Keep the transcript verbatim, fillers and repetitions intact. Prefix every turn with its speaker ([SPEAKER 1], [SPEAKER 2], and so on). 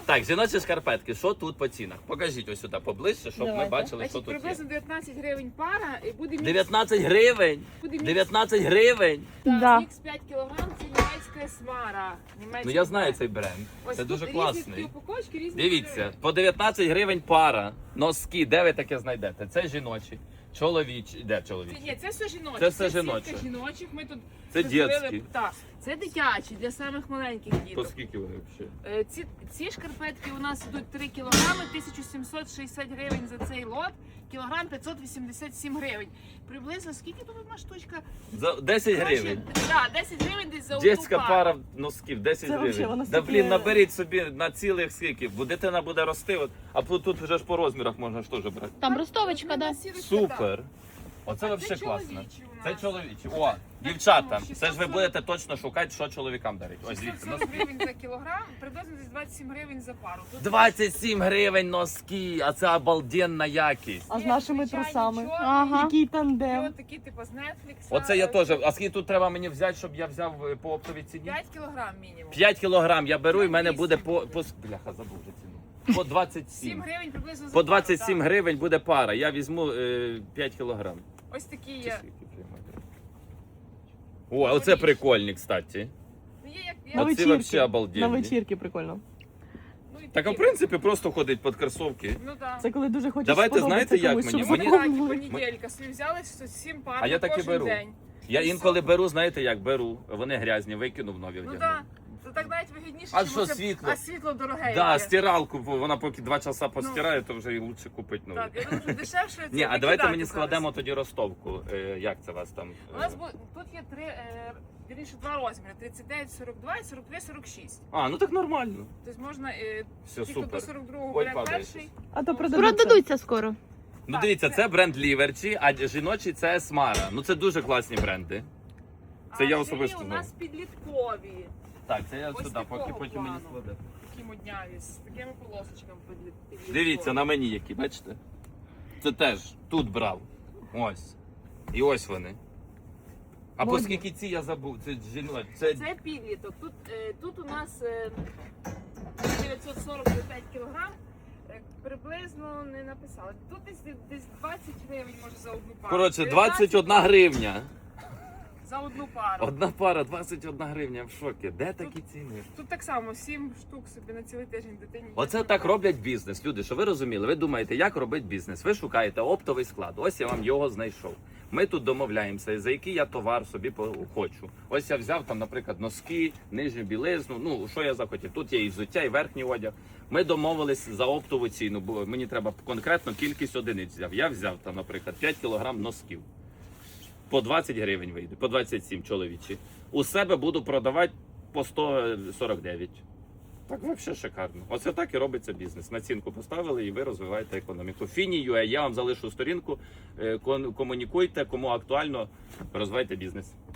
[SPEAKER 1] Так, жіночі шкарпетки, що тут по цінах? Покажіть ось сюди поближче, щоб
[SPEAKER 2] Давайте.
[SPEAKER 1] ми бачили,
[SPEAKER 3] Значить,
[SPEAKER 1] що тут
[SPEAKER 3] приблизно
[SPEAKER 1] є.
[SPEAKER 3] дев'ятнадцять гривень пара і буде мікс.
[SPEAKER 1] дев'ятнадцять гривень!
[SPEAKER 3] Буде мікс.
[SPEAKER 1] дев'ятнадцять гривень!
[SPEAKER 3] Так,
[SPEAKER 2] Да.
[SPEAKER 3] мікс п'ять кілограм, це німецька смара. Німецький
[SPEAKER 1] Ну я знаю
[SPEAKER 3] бренд.
[SPEAKER 1] цей бренд.
[SPEAKER 3] Ось
[SPEAKER 1] Це
[SPEAKER 3] тут
[SPEAKER 1] дуже
[SPEAKER 3] різні
[SPEAKER 1] класний.
[SPEAKER 3] такі упаковочки, різні
[SPEAKER 1] Дивіться,
[SPEAKER 3] кольори.
[SPEAKER 1] по дев'ятнадцять гривень пара, носки, де ви таке знайдете? Це жіночі, чоловічі, де
[SPEAKER 3] Це,
[SPEAKER 1] чоловічі?
[SPEAKER 3] ні, це все жіноче.
[SPEAKER 1] Це все
[SPEAKER 3] сітка
[SPEAKER 1] жіноче.
[SPEAKER 3] жіночих. Ми тут
[SPEAKER 1] Це
[SPEAKER 3] розділили-
[SPEAKER 1] дітські.
[SPEAKER 3] Так, це дитячі для самих маленьких
[SPEAKER 1] То
[SPEAKER 3] діток.
[SPEAKER 1] скільки вони взагалі?
[SPEAKER 3] Е, Ці, ці шкарпетки у нас йдуть три кілограми, тисяча сімсот шістдесят гривень за цей лот, кілограм п'ятсот вісімдесят сім гривень. Приблизно скільки тут одна штучка?
[SPEAKER 1] За десять гривень.
[SPEAKER 3] Так, десять гривень десь за одну
[SPEAKER 1] Дітська
[SPEAKER 3] пару.
[SPEAKER 1] пара носків, десять
[SPEAKER 2] Це вообще,
[SPEAKER 1] гривень.
[SPEAKER 2] воно
[SPEAKER 1] Да
[SPEAKER 2] стільки-
[SPEAKER 1] блін, наберіть собі на цілих скільки, бо дитина буде рости, от, а тут тут вже ж по розмірах можна ж теж брати.
[SPEAKER 2] Там ростовочка, да?
[SPEAKER 1] Супер! Оце
[SPEAKER 3] А
[SPEAKER 1] взагалі
[SPEAKER 3] це
[SPEAKER 1] класно.
[SPEAKER 3] чоловічі у
[SPEAKER 1] Це
[SPEAKER 3] нас.
[SPEAKER 1] чоловічі. О, дівчата,
[SPEAKER 3] шістсот
[SPEAKER 1] це ж ви
[SPEAKER 3] сорок.
[SPEAKER 1] будете точно шукати, що чоловікам дарить. Ось
[SPEAKER 3] шістсот
[SPEAKER 1] дивіться,
[SPEAKER 3] сорок
[SPEAKER 1] носки.
[SPEAKER 3] гривень за кілограм, приблизно десь двадцять сім гривень за пару. Тут
[SPEAKER 1] двадцять сім гривень носки, а це обалденна якість.
[SPEAKER 2] А з
[SPEAKER 3] є
[SPEAKER 2] нашими
[SPEAKER 3] звичайні
[SPEAKER 2] трусами?
[SPEAKER 3] чорні,
[SPEAKER 2] Ага. Який
[SPEAKER 3] і
[SPEAKER 2] тандем.
[SPEAKER 3] от такі типу з Netflix.
[SPEAKER 1] Оце я теж. А скільки тут треба мені взяти, щоб я взяв е, по оптовій ціні?
[SPEAKER 3] п'ять кілограм мінімум.
[SPEAKER 1] п'ять кілограм я беру і в мене
[SPEAKER 3] вісім.
[SPEAKER 1] буде по, по бляха, забув вже ціну. По двадцять
[SPEAKER 3] сім
[SPEAKER 1] сім.
[SPEAKER 3] гривень приблизно за
[SPEAKER 1] По
[SPEAKER 3] пару,
[SPEAKER 1] двадцять сім
[SPEAKER 3] так.
[SPEAKER 1] гривень буде пара. Я візьму е, п'ять кілограм.
[SPEAKER 3] Ось такі
[SPEAKER 1] Чи
[SPEAKER 3] є.
[SPEAKER 1] скільки приймати? О, а оце прикольні, кстати.
[SPEAKER 3] Ну, є як
[SPEAKER 2] На
[SPEAKER 1] Оці
[SPEAKER 3] я...
[SPEAKER 1] вообще
[SPEAKER 2] вечірки.
[SPEAKER 1] обалденні.
[SPEAKER 2] На вечірки прикольно.
[SPEAKER 3] ну, і
[SPEAKER 1] Так, а в
[SPEAKER 3] такі.
[SPEAKER 1] принципі, просто ходить під кросовки.
[SPEAKER 3] Ну так.
[SPEAKER 2] Це коли дуже хочеш
[SPEAKER 1] Давайте,
[SPEAKER 2] сподобатися
[SPEAKER 1] знаєте, як
[SPEAKER 2] комусь,
[SPEAKER 1] мені?
[SPEAKER 2] щоб
[SPEAKER 1] Мені-
[SPEAKER 3] Так,
[SPEAKER 2] запомнили.
[SPEAKER 3] понеділька. Собі взяли сім пар
[SPEAKER 1] А я
[SPEAKER 3] на
[SPEAKER 1] так і
[SPEAKER 3] кожен
[SPEAKER 1] беру.
[SPEAKER 3] день.
[SPEAKER 1] Я
[SPEAKER 3] І
[SPEAKER 1] інколи
[SPEAKER 3] все.
[SPEAKER 1] беру, знаєте, як беру. Вони грязні, викинув нові
[SPEAKER 3] Ну
[SPEAKER 1] вдягнув.
[SPEAKER 3] так. Це так навіть вигідніше,
[SPEAKER 1] А
[SPEAKER 3] чим
[SPEAKER 1] що,
[SPEAKER 3] оце-
[SPEAKER 1] світло?
[SPEAKER 3] А світло дороге.
[SPEAKER 1] Да,
[SPEAKER 3] яке.
[SPEAKER 1] стиралку, бо вона поки два часа постирає, то вже і лучше купити нову.
[SPEAKER 3] Так, я думаю, що дешевше це
[SPEAKER 1] Ні, а давайте
[SPEAKER 3] викидати
[SPEAKER 1] мені
[SPEAKER 3] зараз.
[SPEAKER 1] складемо тоді ростовку. Е, як це у вас там?
[SPEAKER 3] У нас бу- тут є три, е, вірніше, два розміри: тридцять дев'ять, сорок два і сорок три, сорок шість.
[SPEAKER 1] А, ну так нормально.
[SPEAKER 3] Тобто можна, е,
[SPEAKER 1] Все,
[SPEAKER 3] ті, хто до
[SPEAKER 1] супер.
[SPEAKER 3] сорок другого
[SPEAKER 1] Ой,
[SPEAKER 3] бере
[SPEAKER 1] падає
[SPEAKER 3] перший.
[SPEAKER 1] щось.
[SPEAKER 2] А то продадуться.
[SPEAKER 4] Продадуться скоро.
[SPEAKER 1] Ну
[SPEAKER 3] Так,
[SPEAKER 1] дивіться,
[SPEAKER 3] це-
[SPEAKER 1] це бренд Ліверчі, а жіночий це Смара. Ну це дуже класні бренди. Це
[SPEAKER 3] А
[SPEAKER 1] я
[SPEAKER 3] жилі
[SPEAKER 1] особисто
[SPEAKER 3] у
[SPEAKER 1] знаю.
[SPEAKER 3] нас підліткові.
[SPEAKER 1] Так, це я
[SPEAKER 3] Ось
[SPEAKER 1] сюди,
[SPEAKER 3] такого
[SPEAKER 1] поки потім мені
[SPEAKER 3] плану.
[SPEAKER 1] складе.
[SPEAKER 3] Такі модняві, з такими полосочками підліт- підліткові.
[SPEAKER 1] Дивіться на мені які, бачите? Це теж тут брав. Ось. І ось вони. А по
[SPEAKER 2] Модні.
[SPEAKER 1] скільки ці я забув? Це жіночі. Це...
[SPEAKER 3] Це підліток. Тут, е, тут у нас е, дев'ятсот сорок за п'ять кілограм. Е, Приблизно не написали. Тут десь, десь двадцять гривень може за одну пару.
[SPEAKER 1] Коротше,
[SPEAKER 3] дев'ятнадцять
[SPEAKER 1] двадцять одна гривня.
[SPEAKER 3] за одну пару.
[SPEAKER 1] Одна пара, двадцять одна гривня, в шокі. Де такі ціни?
[SPEAKER 3] Тут так само сім штук собі на цілий тиждень дитині.
[SPEAKER 1] Оце
[SPEAKER 3] є.
[SPEAKER 1] так роблять бізнес. Люди, що ви розуміли? Ви думаєте, як робить бізнес? Ви шукаєте оптовий склад. Ось я вам його знайшов. Ми тут домовляємося, за який я товар собі по- хочу. Ось я взяв там, наприклад, носки, нижню білизну. Ну що я захотів? Тут є і взуття, і верхній одяг. Ми домовились за оптову ціну, бо мені треба конкретно кількість одиниць взяв. Я взяв там, наприклад, п'ять кілограм носків. По двадцять гривень вийде, по двадцять сім чоловічі. У себе буду продавати по сто сорок дев'ять. Так взагалі шикарно. Оце так і робиться бізнес. Націнку поставили і ви розвиваєте економіку. Фіні.ua, я вам залишу сторінку, е, кон- комунікуйте, кому актуально, розвивайте бізнес.